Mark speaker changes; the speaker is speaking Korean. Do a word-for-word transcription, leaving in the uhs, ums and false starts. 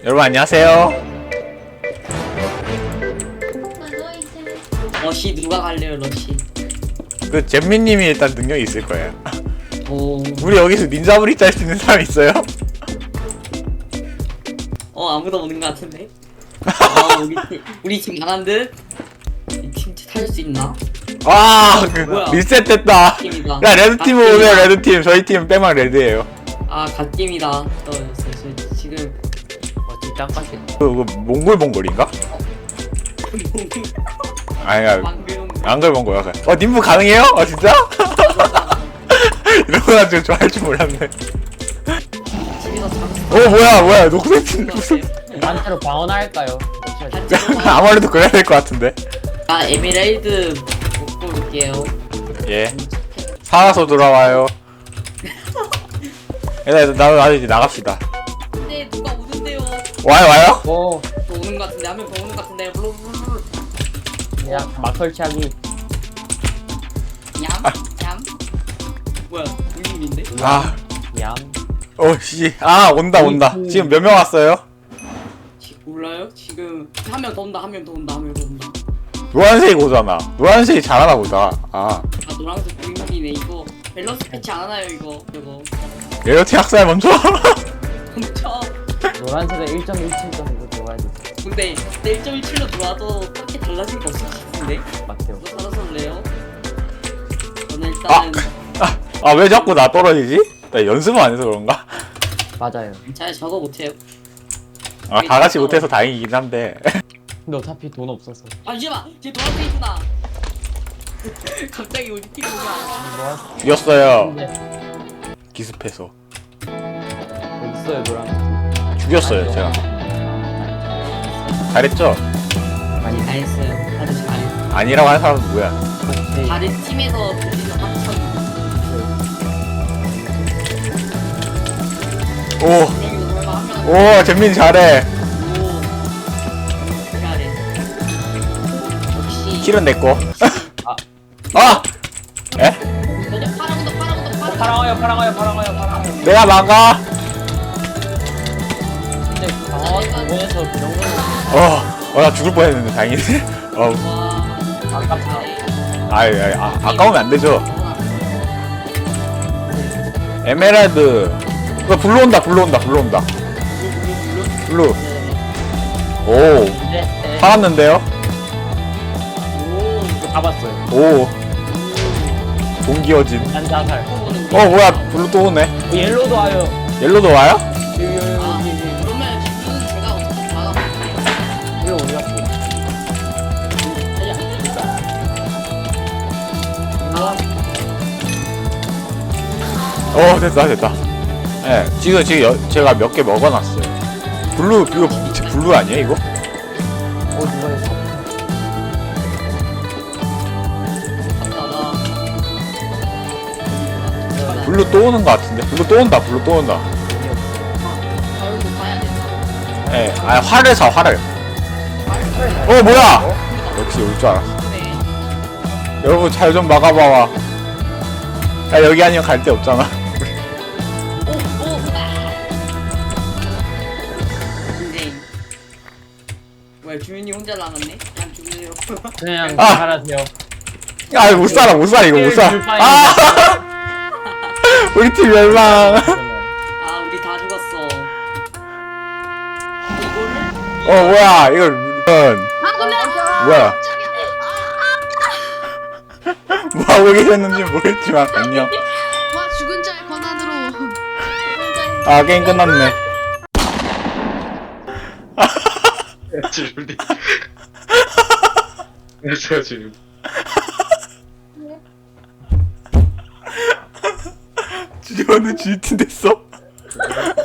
Speaker 1: 여러분 안녕하세요.
Speaker 2: 러시 누가 갈래요 러시?
Speaker 1: 그 잼민님이 일단 능력이 있을 거예요.
Speaker 2: 오.
Speaker 1: 우리 여기서 닌자브리 짤 수 있는 사람 있어요?
Speaker 2: 어 아무도 없는 것 같은데. 어, 우리 팀 우리 팀 강한 듯. 이팀 탈 수 있나?
Speaker 1: 아, 그
Speaker 2: 뭐야?
Speaker 1: 리셋됐다.
Speaker 2: 팀이다.
Speaker 1: 야 레드 팀은
Speaker 2: 갓게임이다.
Speaker 1: 오늘 레드 팀, 저희 팀은 빼망 레드예요.
Speaker 2: 아 갓게임이다. 어, 저, 저, 지금
Speaker 3: 어디 땅밭이
Speaker 1: 그, 그 몽골몽골인가? 아니야,
Speaker 2: 방금
Speaker 1: 앙글몽골 약간. 어 님부 가능해요? 어 진짜? 이런 거 가지고 좋아할 줄 몰랐네.
Speaker 2: 집에서 잠수.
Speaker 1: 어 뭐야 뭐야 녹색 팀 무슨?
Speaker 3: 단체로 방어할까요?
Speaker 1: 아무래도 그래야 될 것 같은데.
Speaker 2: 아 에메랄드 먹고 올게요.
Speaker 1: 예. 살아서 돌아와요. 얘들 나 나도 이제 나갑시다.
Speaker 2: 근데 누가 오는데요?
Speaker 1: 와요 와요?
Speaker 3: 오,
Speaker 2: 또 오는 것 같은데 한 명 더 오는 것 같은데. 블루블루.
Speaker 3: 야, 막 설치하기.
Speaker 2: 얌? 얌? 뭐야 우님인데?
Speaker 1: 아,
Speaker 3: 양.
Speaker 1: 어씨, 아 온다 온다. 지금 몇 명 왔어요?
Speaker 2: 지, 몰라요? 지금 한 명 더 온다 한 명 더 온다 한 명 더 온다.
Speaker 1: 노란색이 오잖아. 노란색이 잘하나 보다. 아,
Speaker 2: 아 노란색 보이는이네 이거 밸런스 패치 안 하나요 이거 이거
Speaker 1: 레어티 학살 먼저.
Speaker 2: 멈춰.
Speaker 3: 노란색은 일 점 일칠 점으로 들어가야 돼.
Speaker 2: 근데 내 일 점 일칠로 들어와도 그렇게 달라질 거 없을 것 같은데?
Speaker 3: 맞대요.
Speaker 2: 이거 살아서 올래요? 저는 일단은
Speaker 1: 아, 아 왜 자꾸 나 떨어지지? 나 연습을 안 해서 그런가?
Speaker 3: 맞아요.
Speaker 2: 잘 저거 못해요.
Speaker 1: 아, 다 같이 못해서 다행이긴 한데.
Speaker 3: 근데 어차피 돈 없어서.
Speaker 2: 아 잠시만! 쟤 노란색이구나! 갑자기 우리 팀이 오면
Speaker 3: 노란색.
Speaker 1: 이겼어요.
Speaker 3: 근데
Speaker 1: 기습해서.
Speaker 3: 어디 있어요, 노란색?
Speaker 1: 죽였어요 제가. 잘했죠?
Speaker 2: 많이 다 했어요. 다들 잘해.
Speaker 1: 아니라고 하는 사람은 누구야?
Speaker 3: 오케이.
Speaker 2: 다른 팀에서 불리는 합천
Speaker 1: 오,
Speaker 2: 명이 설마 한 명은
Speaker 1: 오, 잼민 잘해.
Speaker 2: 오 잘해. 역시
Speaker 1: 킬은 냈고.
Speaker 3: 아.
Speaker 1: 아! 에?
Speaker 2: 그냥 파랑도 파랑도 파랑
Speaker 3: 파랑어요, 파랑어요, 파랑어요, 파랑어요.
Speaker 1: 내가 막아.
Speaker 3: 근데 방어 부분에서 그 정도는
Speaker 1: 어, 어, 나 죽을 뻔했는데 다행이네. 어,
Speaker 2: 와
Speaker 3: 아깝다.
Speaker 1: 아이, 아이, 아, 아까우면 안 되죠. 에메랄드. 어, 불러 온다, 불러 온다, 불러 온다. 블루. 오,
Speaker 3: 네, 네.
Speaker 1: 살았는데요?
Speaker 2: 오
Speaker 3: 잡았어요.
Speaker 1: 오, 동기어진.
Speaker 3: 한자살.
Speaker 1: 어, 뭐야, 블루 또 오네.
Speaker 3: 어, 옐로도 와요.
Speaker 1: 옐로도 와요?
Speaker 3: 여기, 여기,
Speaker 2: 아
Speaker 3: 여기, 여기.
Speaker 2: 그러면 지금 제가 어떻게 막아볼게요.
Speaker 3: 이거 어디 갔어?
Speaker 1: 어, 됐다, 됐다. 예, 네, 지금, 지금 여, 제가 몇 개 먹어놨어요. 블루, 이거 진짜 블루 아니에요, 이거?
Speaker 3: 어, 누가 했어?
Speaker 1: 블루 또 오는 것 같은데? 블루 또 온다, 블루 또 온다.
Speaker 2: 바로 가야 된다.
Speaker 1: 예, 네, 아, 활을 사, 활을. 어, 뭐야! 역시 올 줄 알았어.
Speaker 2: 네.
Speaker 1: 여러분, 잘 좀 막아봐와. 야, 여기 아니면 갈 데 없잖아.
Speaker 2: 오, 오, 아. 근데 뭐야 주민이 혼자 남았네? 그냥 죽으세요.
Speaker 3: 그냥
Speaker 1: 아!
Speaker 3: 잘하세요.
Speaker 1: 아, 못 살아, 못 살아, 이거 못 살아. 아! 우리 팀 멸망.
Speaker 2: 아 우리 다 죽었어. 이거를?
Speaker 1: 어, 뭐야, 이거, 이건. 뭐야. 뭐 하고 계셨는지 모르겠지만, 안녕.
Speaker 4: 와 죽은 자의 권한으로 죽은 자의
Speaker 1: 아, 게임 끝났네.
Speaker 5: 줄리. 안녕하세요, 줄리.
Speaker 1: 주리원은 지휘팀 됐어?